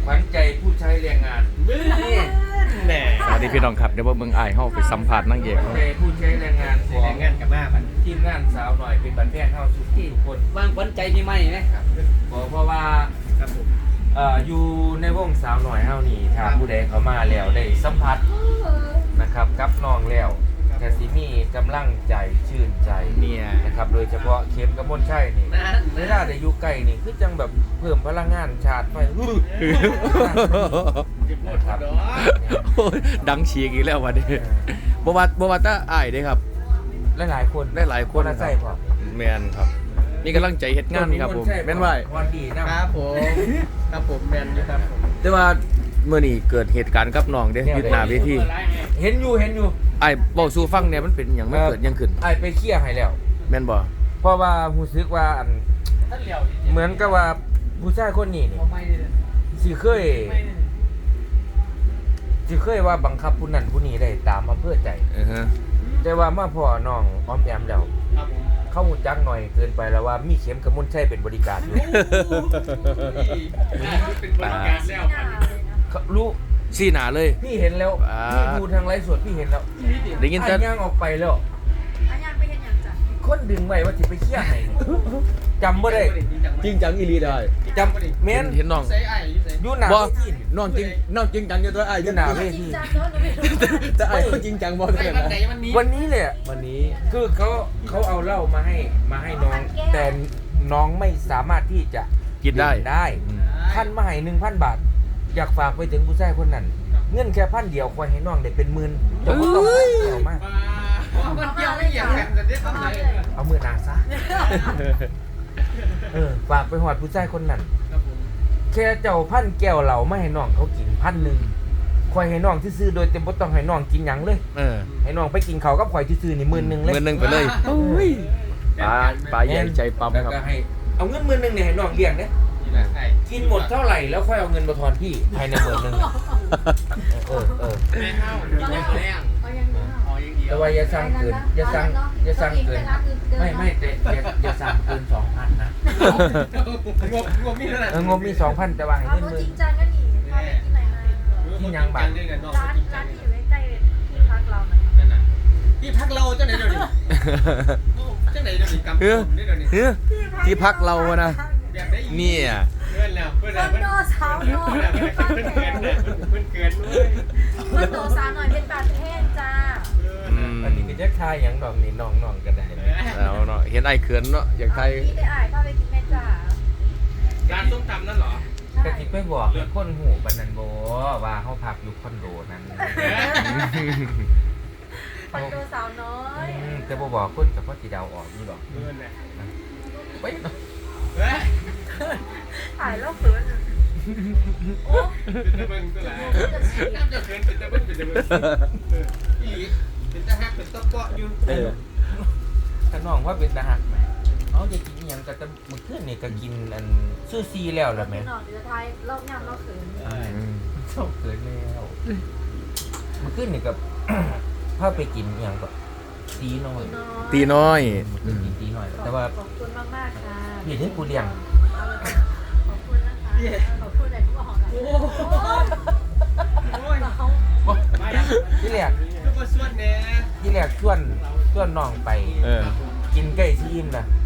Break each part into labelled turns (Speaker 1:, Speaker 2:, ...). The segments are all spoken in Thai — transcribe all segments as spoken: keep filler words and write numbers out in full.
Speaker 1: ขวัญใจผู้ใช้แรงงานนี่แหน่
Speaker 2: สวัสดีพี่น้องครับเดี๋ยวเบิ่งอ้ายเฮาไปสัมภาษณ์นางเอก
Speaker 1: ขวัญใจผู้ใช้แรงงานของ
Speaker 3: แรงงานกับมาบัน
Speaker 1: ทีมงานสาวหน่อยเป็นบันแพงเข้าทุกทุกคน
Speaker 3: วางขวัญใจพี่ไม่ไหม
Speaker 1: ครับบอกเพราะว่า
Speaker 3: ครับผม
Speaker 1: เอ่ออยู่ในวงสาวหน่อยเฮานี่ถ้าผู้ใดเขามาแล้วได้สัมผัสนะครับกับน้องแล้วแต่สิมีกำลังใจชื่นใจ
Speaker 2: เนี่ย
Speaker 1: นะครับโดยเฉพาะเข็มกับมนชัยนี่เวลาได้อยู่ใกล้นี่คือจังแบบเพิ่มพลังงานชาร์จไฟนะครับ
Speaker 2: โอ้ยดังฉีกอีกแล้ววันนี้บ่ว่าบ่ว่าแต่อ้ายเด้ครับ
Speaker 1: หลายๆคน
Speaker 2: ได้หลายคน
Speaker 1: ละ
Speaker 2: ค
Speaker 1: ใส่
Speaker 2: รับ
Speaker 1: พอ
Speaker 2: แม่นครับมีกำลังใจเฮ็ดงานครับผมแม่นว่า
Speaker 1: วันดีนะครับ
Speaker 3: ผมครับผมแมนอยู่ครับผม
Speaker 2: แต่ว่าเมื่อนี้เกิดเหตุการณ์กับน้องเด้อยู่หน้าเวที
Speaker 1: เห็นอยู่เห็นอยู่
Speaker 2: อ้ายเว้าสู่ฟังเนี่ยมันเป็นหยังไม่เกิดหยังขึ้น
Speaker 1: ไอ้ไปเคลียร์ให้แล้ว
Speaker 2: แม่นบ่
Speaker 1: เพราะว่ารู้สึกว่าอัน
Speaker 3: ท่านเหลียว
Speaker 1: เหมือนกับว่าผู้ชายคนนี้นี่
Speaker 3: เขาไม่เลย
Speaker 1: สิเคยสิเคยว่าบังคับผู้นั้นผู้นี้ได้ตามอำเภอใจ
Speaker 2: เออฮะ
Speaker 1: แต่ว่ามาพ่อน้องอ้อมแอมแล้ว
Speaker 3: ครับผม
Speaker 1: เข้าหูจักหน่อยเกินไปแล้วว่ามีเข็มกับมนชัยเป็นบริการอยู่
Speaker 3: เป็นบริการแล้ว
Speaker 1: เขารู้
Speaker 2: ซี่หน้าเลย
Speaker 1: พี่เห็นแล้ว
Speaker 2: อ่า
Speaker 1: พี่ดูทางไลฟ์สดพี่เห็นแล้ว
Speaker 2: ได้ยินแต่
Speaker 1: ไอ้ย่างออกไปแล้ว
Speaker 4: อันยังไปเห็นอย่างจ้ะ
Speaker 1: คนดึงไว้ว่าสิไปเคลียร์ให้จำบ่ได้
Speaker 2: จริงจังอีหลีได้
Speaker 1: จำแม่น
Speaker 2: เห็นน้อง
Speaker 3: ใส่ไอ้ใส่
Speaker 1: อยู่หน้า
Speaker 2: บ่
Speaker 1: เวที
Speaker 2: น้องจริงน้องจริงจังอยู่ตัวอ้าย
Speaker 1: อยู่หน้าเว
Speaker 4: จริ
Speaker 1: ที
Speaker 4: งจังเนอะหนูไม่รู้
Speaker 2: แต่อ้ายเขาจริงจังบ่
Speaker 3: ใส่
Speaker 2: เท่า
Speaker 3: วัน
Speaker 2: นั้น
Speaker 3: ไหนวันนี้
Speaker 1: วันนี้เลยอะ
Speaker 2: วันนี้
Speaker 1: คือเขาเขาเอาเหล้ามาให้มาให้น้อง แต่น้องไม่สามารถที่จะ
Speaker 2: กินได้
Speaker 1: ดื่มได้ท่านมาให้หนึ่งพันบาท อยากฝากไปถึงผู้ชายคนนั้น เงินแค่พันเดียวคอยให้น้องได้เป็นหมื่นเดี๋ยวก็ต้องเกี่ยวมาก
Speaker 3: มันเกี่ยวไม่เกี่ยวกันจะได้ทำไง
Speaker 1: เอามือนาซะเออฝากไปหอดผู้ชายคนนั้น
Speaker 3: ครับผม
Speaker 1: แค่เจ้าพันแก้วเหล้าไม่ให้น้องเขากินพันหนึ่งคอยให้น้องที่ซื้อโดยเต็มบ่ต้องให้น้องกินหยังเลย
Speaker 2: เออ
Speaker 1: ให้น้องไปกินเขาวกับข่อยที่ซื้อนี่หมื่นหนึ่งเลย
Speaker 2: เงินหนึงไปเลยโอ้ยปลาปลาใหญ่ใจปั๊ม
Speaker 1: แล้ว
Speaker 2: ครับ
Speaker 1: ก็ให้เอาเงินหมื่นหนึ่งเนี่ยให้น้องเลี้ยงเนี่ย
Speaker 3: นี่แหละไอ้
Speaker 1: กินหมดเท่าไหร่แล้วค่อยเอาเงินมาทอนพี่ภายในหมื่นหนึ่งเออเออ
Speaker 3: แม่เข้ากินยังแรง
Speaker 4: เอายังเนอะ
Speaker 3: อ๋อยังเดียว
Speaker 1: แต่ว่าอย่าสั่งเกินอย่าสั่งอย่าสั่งเกินไม่ไม่แต่อย่าอย่าสั่งเกินสองพันนะ
Speaker 3: งบงบมีเท่าไหร่
Speaker 1: เอองบมีสองพันแต่ว่าให้
Speaker 4: เอา
Speaker 1: เงินห
Speaker 4: ตัว
Speaker 1: มื่
Speaker 4: จ
Speaker 1: น
Speaker 4: ริงจังก็หนีพาไปที่ไหนมา
Speaker 1: ที่ยังบัตร
Speaker 4: ร้านร้านที่อยู่ใกล้ๆที่พักเรานะคะ
Speaker 3: นั่นน่ะที่พักเราเจ้าไหนเดี๋ยวนี้เจ้าไหนเดี๋ยวนี้กำ
Speaker 2: เฮ้ย
Speaker 3: นี่เดี๋ยวนี้
Speaker 2: เฮ้ยที่พักเราอะนะ
Speaker 3: แบบได้อีก
Speaker 2: เนี่ย
Speaker 3: เพื่อนแล้วเพื่อน
Speaker 4: ค
Speaker 3: แล้ว
Speaker 4: อน
Speaker 3: เพื่อน
Speaker 4: โดสาวน้อย
Speaker 3: เพื่อนเกินเพื่อนเกินด้วย
Speaker 4: คอนโดสาวหน่อยเป็นบาทแห้งจ้า
Speaker 2: อืม
Speaker 1: อันนี้เป็นยักษ์ทายอย่างดอกนี่น้องน้องก็ได้นะ
Speaker 2: แล้วเนาะเห็นไอ้เขินเนาะอยากไทย
Speaker 4: พี่ได้อ่ายพาไปกินแม่จ้า
Speaker 3: ร้านส้มตำนั่นเหรอ
Speaker 1: กะทิไปบอกให้คนหูบันนันโบว่าเขาพักอยู่คอนโดนั้น
Speaker 4: คอนโดสาวน้อย
Speaker 1: อืมแต่บ่บอกคนกับพ่อสีดาวออกนี่หรอก
Speaker 3: เพื่อนเลย
Speaker 1: ไปเนาะ
Speaker 3: เฮ้ย
Speaker 4: ถ่ายแล้วเขินโอ้
Speaker 3: เป็นตะเบิงตัวไหนน้ำจะเขินเป็นตะเบิงเป็นตะเบิงอีหลีเป็นตะฮักเป็นตะเปาะอยู่
Speaker 2: เออ
Speaker 1: ถ้าน้องว่าเป็นทหารไหมเขาจะกินอหยังก็จะมื้อคืนนี่ก็กินอันซูซีแล้วล่ะแม่
Speaker 4: หน่อยเดี๋ยวไทยรอบย่ำรอบเขิน
Speaker 2: อืม
Speaker 1: ชอบเกินแล้วมื้อคืนนี่ก็ พาไปกินอหยังก็ตีน้อย
Speaker 2: ตีน้อย
Speaker 1: มื้อคืนกินตีน้อย แต่ว่า
Speaker 4: ขอบคุณมากมากๆค่ะ
Speaker 1: พี่ให้กูเลี้ยง
Speaker 4: ขอบคุณนะคะขอบคุณแต่ทุกของโอ้
Speaker 3: โอ้ย
Speaker 4: เรา
Speaker 3: มาแล้ว
Speaker 1: ที่แรก
Speaker 3: ลูกมาส่วนแน่
Speaker 1: ที่แรกชวนชวนน้องไป
Speaker 2: เออ
Speaker 1: กินไก่ซีอิ่มน่ะ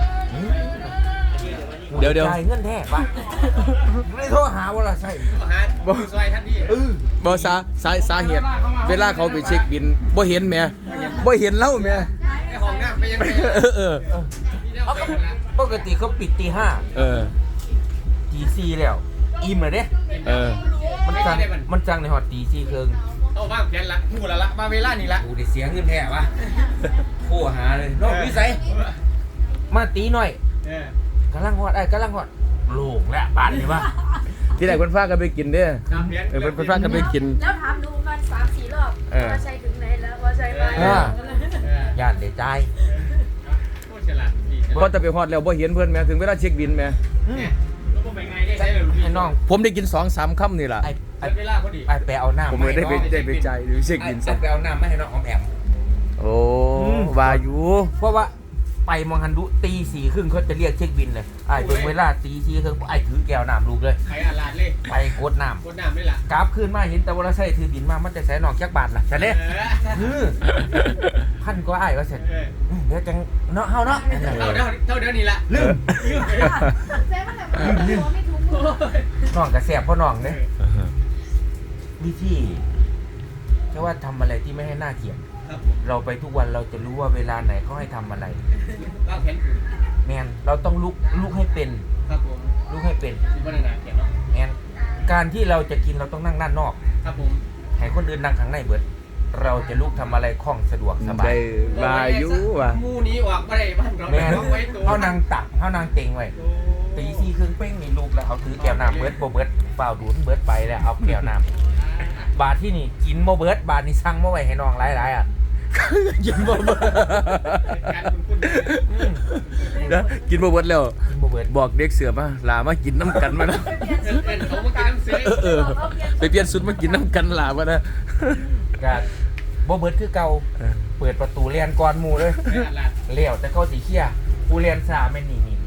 Speaker 2: เดี๋ยวเดี๋ยว
Speaker 1: จ่ายเงินแท้ปะไม่ได้โทรหาว่าละใช่
Speaker 3: มาหาดูซอยท่านนี่
Speaker 1: เออ
Speaker 2: บ่สาสาสาเหตุ เวลาเขาไปเช็คบินบ่เห็นแหม่บ่เห็นเล่าแหม่
Speaker 3: ไอ้ห้องน้ำไปยังไง
Speaker 2: เออเออ
Speaker 1: เอาก็ปกติเขาปิดตีห้า
Speaker 2: เออ
Speaker 1: ตีสี่แล้ว อิ่มเลยเด้
Speaker 2: เออ
Speaker 1: มันจังมันจังในหอดตีสี่ครึ่ง
Speaker 3: เอาบ้างเพี้ยนละหูละละมาเวลานี่ละ
Speaker 1: กูได้เสียเงินแท้ปะโทรหาเลยน้องวิสัยมาตีหน่อย
Speaker 3: เออก
Speaker 1: ำลังหอดไอ้ยกำลังหอดโล่งแล้วบาดนี่ปะ
Speaker 2: ที่ไหนเพิ่นพากันไปกินเด้อ
Speaker 3: น้ำเพี้ยน
Speaker 2: เออเพิ่นเพิ่นพากันไปกิน
Speaker 4: แล้วถามดูมันสามสี่รอบว่าใช่ถึงไหนแล้วว่าใช่ไหม
Speaker 1: ย่านเดใจาย
Speaker 3: โคตรฉลาดดี
Speaker 2: พอจะไปฮอดแล้วบ่เห็นเพิ่นแหม่ถึงเวลาเช็คบินแหม่
Speaker 3: เนี่ยแล้วก็ไปไงได้ใช้เลยลูกพี่
Speaker 1: ให้น้อง
Speaker 2: ผมได้กินสองสามค่ำนี่ล่ะ
Speaker 1: ไอ้ไอ้
Speaker 3: ใช้เวลาพอดี
Speaker 1: ไอ้ไปเอาหน้า
Speaker 2: ผมเลยได้ไปได้ไปใจายหรือเช็ค
Speaker 1: ไอ้
Speaker 2: บิน
Speaker 1: ไอ้
Speaker 2: ซะ
Speaker 1: ไปเอาหน้าไม่ให้น้องออมแอม
Speaker 2: โอ้ว่าอยู่
Speaker 1: เพราะว่าไปมองฮันดุตีสี่ครึ่งเขาจะเรียกเช็คบินเลยไอ้เป็นเวลาตีสี่ครึ่งไอ้ถือแก้วน้ำลูกเลย
Speaker 3: ใครอาลาดเลย
Speaker 1: ไปกดน้
Speaker 3: กดน้ำด้วยล่ะ
Speaker 1: ำกราฟขึ้นมาเห็นแต่ว่าเราใส่ถือบินมามันจะใส่หนองจักบาทล่ะจะเด้พันก็อ้ายว่าเสร็จเดี๋ยวจังเนาะเฮาเนาะ
Speaker 3: เท่าเดิมเท่าเดิมนี่ละ
Speaker 1: ลืม
Speaker 4: แซ่บมันแบบไม่ถูกไม่ถูก
Speaker 1: น้องกระแสบพ่อน้องเด้วิธีแค่ว่าทำอะไรที่ไม่ให้หน้าเกลียด
Speaker 3: ครับ
Speaker 1: เราไปทุกวันเราจะรู้ว่าเวลาไหนเขาให้ทำอะไร
Speaker 3: วางแผน
Speaker 1: แมนเราต้องลุกลุกให้เป็น
Speaker 3: ครับผม
Speaker 1: ลุกให้เป็น
Speaker 3: สิบวันนาเขียนเนาะ
Speaker 1: แมนการที่เราจะกินเราต้องนั่งด้านนอก
Speaker 3: ครับผม
Speaker 1: ให้คนอื่นนั่งข้างในเบิด เราจะลุกทำอะไรคล่องสะดวกสบา
Speaker 2: ได้
Speaker 1: ย
Speaker 2: ลายุว่ะ
Speaker 3: มูนี้ออกมาได้บ้านเรา
Speaker 1: แมน
Speaker 3: ต้องไว้ตัว
Speaker 1: เขานางตักเขานางเต็งไว้ตีสี่ครึ่งเป้งนี่ลุกแล้วเอาถือแก้วน้ำเบิดโบเบิดเปล่าดูดเบิดไปแล้วเอาแก้วน้ำบาทที่นี่กินโบเบิดบาทนี่สั่งมาไว้ให้น้องหลายๆอ่ะ
Speaker 2: กินบ่เบิด
Speaker 3: การคุณคุณ
Speaker 1: อืม
Speaker 2: นะกินบ่เบิดแล้ว
Speaker 1: กินโบเบิด
Speaker 2: บอกเด็กเสือมาลามากินน้ำกันมานะ
Speaker 3: เอ็นเขามากินน้ำเสือ
Speaker 2: เออไปเปลี่ยนชุดมากินน้ำกันลามานะ
Speaker 1: กาโบเบิดคือเก่าเปิดประตูเรียนก่อนหมู่เลย
Speaker 3: ไม่อัดละ
Speaker 1: เลี้ยวแต่เขาสีเขี้ยผู้เรียนสาไม่หนีหนี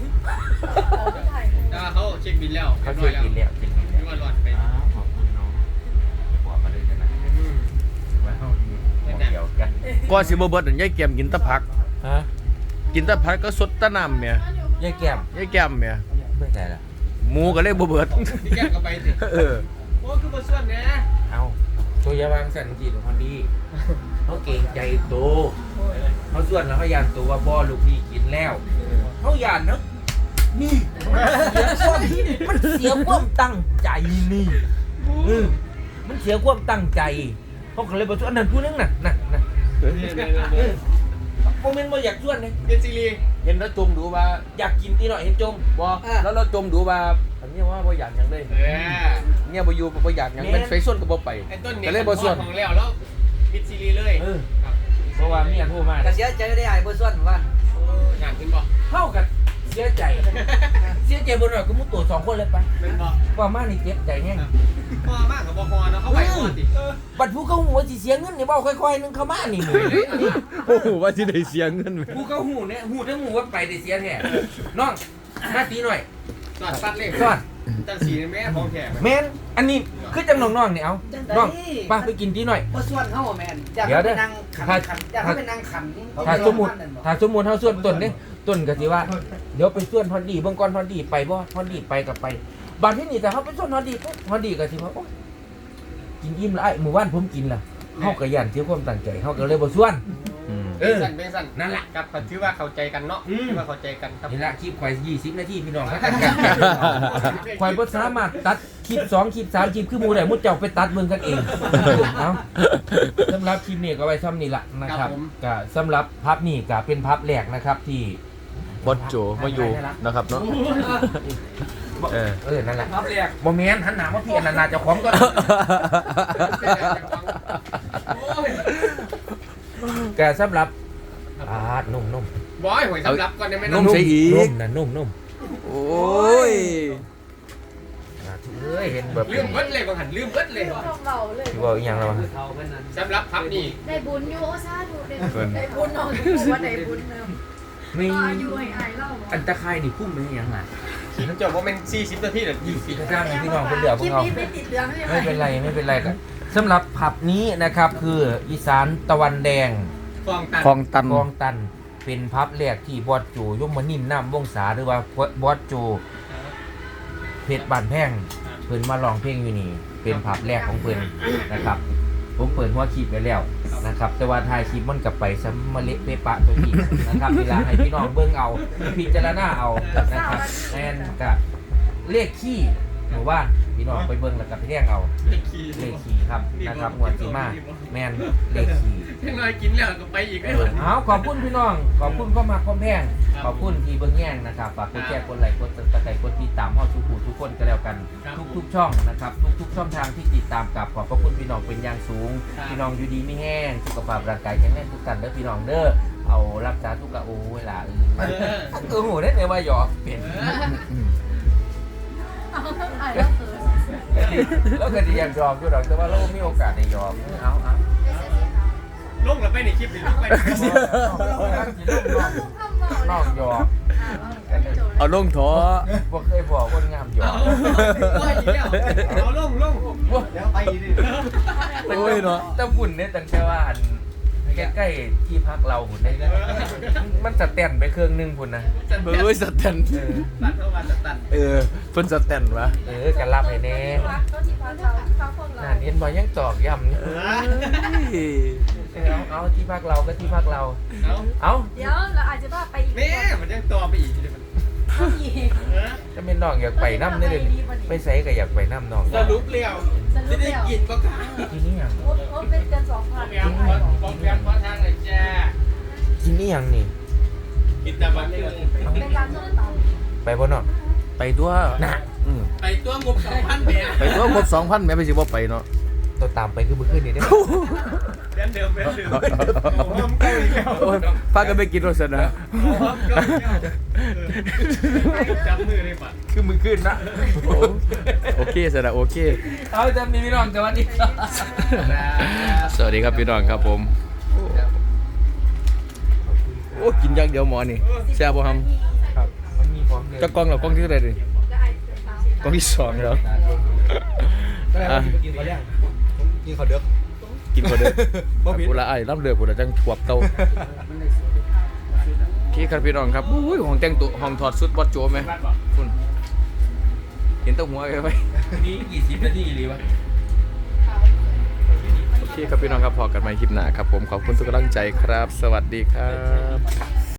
Speaker 3: แต่ว่าเขาเช็คบินแล้ว
Speaker 1: เขาช่วยกินแล้วกิน
Speaker 3: ไม่
Speaker 1: แล้ว
Speaker 3: ว่าหลอดไป
Speaker 1: อ้าวขอบคุณน้องบอกมาเลยกันนะว่าเขาอยู่หมดเดียวกัน
Speaker 2: ก่อนสิบ่เบิดนั่นยายแก้มกินแตะผัก
Speaker 1: ฮะ
Speaker 2: กินแตะผักก็สดแตะน้ำแหม่
Speaker 1: ยายแก้ม
Speaker 2: ยายแก้มแหม่
Speaker 1: ไม่ใช่ละ
Speaker 2: หมูก็เลยบ่เบิด
Speaker 3: ที่แก้ก็ไปสิ
Speaker 2: เออ
Speaker 3: โอ้คือมาส่วนเนี่ย
Speaker 1: เอาตัวยาวางสันจีของคนดีเขาเก่งใจโตเขาส่วนแล้วเขายานตัวว่าบ่ลูกพี่กินแล้วเขายานเนาะนี่มันเสียความตั้งใจนี่เออมันเสียความตั้งใจเขาก็เลยบอกว่าอันนั้นผู้นึงน่ะน่ะน่ะเออโมเมนต์บ่อยากชวนเลย
Speaker 3: เป็นซีรี
Speaker 2: เห็นแล้วจมดูว่า
Speaker 1: อยากกินที่หน่อยเห็นจม
Speaker 2: บ่แล้วเราจมดูว่าอันนี้ว่าบ่อยากหยังเลย
Speaker 3: เออ
Speaker 2: เนี่ยบ่อยู่บ่อยากหยังเป็นไฟส่วนก็บ่ไป
Speaker 3: ไอ้ต้นเนี่ย
Speaker 2: ก็เลยบ่ส่วน
Speaker 3: ของแล้วแล้วปิดซีรีเลย
Speaker 1: เออเพราะว่าเมียโทรมา
Speaker 5: ก็เสียใจได้ไอ้บ่ส่วนว่า
Speaker 3: งานขึ้นบ่
Speaker 1: เท่ากับเสียใจเสียใจบนหน่อยก็มุดตัวสองคนเลยไป
Speaker 3: เป็นบ่
Speaker 1: ว่ามานี่เจ็บใจแน่
Speaker 3: พอมากกับบ่พอเนาะเขาไปก่อนดิ
Speaker 1: บัดผู้เขาหูว่าสิเสียเงินนี่บอกค่อยๆนึงเขามานี่หมือ
Speaker 2: โอ้โหว่าสิได้เสียเงินไหม
Speaker 1: ผู้เขาหูเนี่ยหูทั้งหูว่าไปได้เสียแท้น้องมาตีหน่อย
Speaker 3: สอดปัดเลย
Speaker 1: สอน
Speaker 3: จังสีแม่ของแขก
Speaker 1: แมนอันนี้คือจังน้องๆนี่เอาน้องป้าไปกินตีหน่อย
Speaker 5: บ่ส่วนเฮาแม่นอยาก
Speaker 1: เดี๋ยวเด้
Speaker 5: ไป
Speaker 1: อ
Speaker 5: นั่งขัน
Speaker 1: ถ้า
Speaker 5: ขันอยากให้ไปนั่งขัน
Speaker 1: ถ้าสมมุติถ้าสมมุติเฮาส่วนต้นนี่ต้นก็สิว่าเดี๋ยวไปส่วนฮอนดีเบิ่งก่อนฮอนดีไปบ่ฮอนดีไปก็ไปบัดที่นี่แต่เฮาไปส่วนฮอนดีปุ๊บฮอนดีก็สิว่าโอ๊ยกินอิ่มแล้วไอ้หมู่บ้านผมกินล่ะเฮาก็ย่านเสียความตั้งใจเฮาก็เลยบ่ส่วน
Speaker 3: เออสั่นเป็นสั่น
Speaker 1: นั่นแหละ
Speaker 3: ครับถือว่าเข้าใจกันเนาะถือว่าเข้าใจกันครับ
Speaker 1: นี่ละคลิปข่อยยี่สิบนาทีพี่น้องครับข่อยบ่สามารถตัดคลิปสองคลิปสามคลิปคือหมู่ได้หมู่เจ้าไปตัดเบิ่งกันเองเอ้าสำหรับคลิปนี้ก็ไว้ซ้ำนี่ล่ะนะครับก็สำหรับพับนี่ก็เป็นพับแรกนะครับที่
Speaker 2: บดโจมาอยู่นะครับเนาะ เออ
Speaker 1: เออนั่นแหละ
Speaker 3: ครับเรียก
Speaker 1: บ่แม่นหันหน้ามาพี่อันนั้นน่าจะของก็ ก็สำหรับอ่านุ่มๆนุ่ม
Speaker 3: บอยหวยสำรับก่อนได้ไหม
Speaker 2: นุ่
Speaker 3: เนาะ
Speaker 2: มใส่อีก
Speaker 1: นุ่มนะนุ่มนุ่ม
Speaker 2: โอ้ย
Speaker 1: อ่าเอ้ยเห็นแบบ
Speaker 3: ลืมเบิดเลยบางหันลืมเบิดเลย
Speaker 4: ต้องเบาเลย
Speaker 1: ที่ว่าอีหยังแล้ววะ
Speaker 3: สำรับพับนี่
Speaker 4: ได้บุญอยู่โอ้ซาดูได้ได้บุญน้องว่าได้บุญเนิ่ม
Speaker 1: มี
Speaker 4: ก็อายุให้อายเล่า
Speaker 1: อันตะไคร้นี่พุ่มเป็นอีหยังไง
Speaker 3: ขี่น้ำจบว่าเป็นสี่สิบนาทีหรือยี่สิบ
Speaker 1: พี่จ้างให้พี่น้องคนเดียวพ
Speaker 4: คว ลิ
Speaker 1: ก
Speaker 4: ป
Speaker 1: เรา
Speaker 4: นี้ไม่ติดเหลืองใช่ไหม
Speaker 1: ไม่เป็นไรไม่เป็นไรกันสำหรับผับนี้นะครับคืออีสานตะวันแดง
Speaker 3: ฟองตัน
Speaker 2: คลองตัน
Speaker 1: คลองตันเป็นพับแรกที่บอสโจยมนิ่มน้ำวงศาหรือว่าบอสโจเพชรบานแพงเพิ่นมาลองเพลงอยู่นี่เป็นพับแรกของเพิ่นนะครับ ผมเปิดหัวคลิปไปแล้วนะครับ แต่ว่าถ่ายคลิปมันกลับไปซ้ำมาเละเปะปะตัวนี้นะครับเวลาให้พี่น้องเบิ่งเอาพิจารณาเอานะครับแอนกับเลขขี้หมู่บ้านพี่น้องไปเบิ่งแล้วกับไปเรียกเอา
Speaker 3: ขี่
Speaker 1: เลขขี้ครับนะครับหัวจีมาแมนเลขขี้
Speaker 3: ยังไงกินแล้วก็ไปอีก
Speaker 1: เอ
Speaker 3: ได้
Speaker 1: อ
Speaker 3: หมด
Speaker 1: เอาขอบคุณพี่น้องขอบคุณเข้ามาคอมแพงขอบคุณที่เบิ่งแย่งนะครับฝากกดแชร์กดไลค์กดติดตามกดติดตามเฮาทุกผู้ทุกคนก็แล้วกัน ทุกๆช่องนะครับทุกๆช่องทางที่ติดตามกับขอบพระคุณพี่น้องเป็นอย่างสูงพี่น้องอยู่ดีไม่แห้งสุขภาพร่างกายแข็งแรงทุกท่านเด้อพี่น้องเด้อเอารักษาทุกกะโอ้เวลาเออเออโหได้เลยว่าหยอกเปลี่ยน
Speaker 4: เอาอายเล่าเขิน
Speaker 1: แล้วก็ดีอยากยอมอยู่ดอกแต่ว่าเรามีโอกาสได้ยอมเอาเอา
Speaker 3: ลงแล้วไปในคลิปหรือลงไป
Speaker 1: น้องยอม
Speaker 4: อ่าว่าจบ
Speaker 2: เอาลงท้อ
Speaker 1: บ่เคยบอกคนงามอยู่
Speaker 3: ว่าอีกแล้วเอาลงลงแล้วไปดิ
Speaker 2: โอ้ยเนาะ
Speaker 1: แต่บุญเนี่ยตั้งแต่ว่าอันใกล้ๆที่พักเราหุ่นได้มันจะเต้นไปเครื่องนึงพุ่นนะ
Speaker 2: เอ้ยสแตน
Speaker 1: เออ
Speaker 3: ตัดเข้ามาตัด
Speaker 2: เออเพิ่นสแตนวะ
Speaker 1: เออกันรับให้แน่
Speaker 4: ก็ที่พักเราที่พักพวกเรา
Speaker 1: น่าเห็นบ่ยังตอกย้ำนี่
Speaker 2: เอ้ย
Speaker 1: เอาเอาที่พักเราก็ที่พักเรา
Speaker 3: เอา
Speaker 1: เอา
Speaker 4: เดี๋ยวเราอาจจะว่าไปอีก
Speaker 3: แม่มันยังต่อไปอีกเลยมัน
Speaker 4: อีก
Speaker 1: จะเป็นน้องอยากไปน้ำได้เลยไปใส่ก็อยากไปน้ำน้อง
Speaker 3: สรุปเลี้ยวจะได้กินก็ค่ะ
Speaker 1: ที่นี่ยัง
Speaker 4: โอ้โอ้เป็นเกินสองพัน
Speaker 3: แมวฟองแมวฟองทางเลยจ้า
Speaker 1: ที่นี่ยังนี่
Speaker 3: กินแต่บันนึง
Speaker 4: เป็นการส้มตำ
Speaker 1: ไปบ่เนาะ
Speaker 2: ไปตัวน่ะอืม
Speaker 3: ไปตัวงบสองพันแม่
Speaker 2: ไปตัวหมดสองพันแม่ไปสิบ่ไปเนาะ
Speaker 1: ตัวตามไปคือเมื่อคืนนี้ได้ไหม
Speaker 3: แบนเดิมแบนเดิมโอ้ยเก้าอีกแล้ว
Speaker 2: โอ้ยพากันไปกินรสนะ
Speaker 3: จับมือเลยป่ะ
Speaker 1: คือมือคืนนะ
Speaker 2: โอเคสนะโอเค
Speaker 1: เอาจำนี่พี่น้องสวัสดีครับ
Speaker 2: สวัสดีครับพี่น้องครับผมโอ้กินอย่างเดียวหมอนี่แซ่บบ่ฮัม
Speaker 1: ครับมันมีพร้อมเลย
Speaker 2: จะกล้องเหรอกล้องที่เท่าไหร่ดิ
Speaker 4: ก็ไอ้เกินสามสิบ
Speaker 2: กล้องที่สองแล้วอ่ะ
Speaker 5: กินเขายังกินเขาเด้อ
Speaker 2: กินก่อนเด้อกูละไอ้รับเลือกูละจังถวบเตาพี่ครับพี่น้องครับอุ้ยห้องแต่งตัวห้องถอดชุดบอสโจไหมคุณเห็นแตัวหัวไปไหม
Speaker 1: นี่กี่สิบนาทีหรือวะ
Speaker 2: โอเคครับพี่น้องครับพอกันใหม่คลิปหน้าครับผมขอบคุณทุกกำลังใจครับ สวัสดีครับ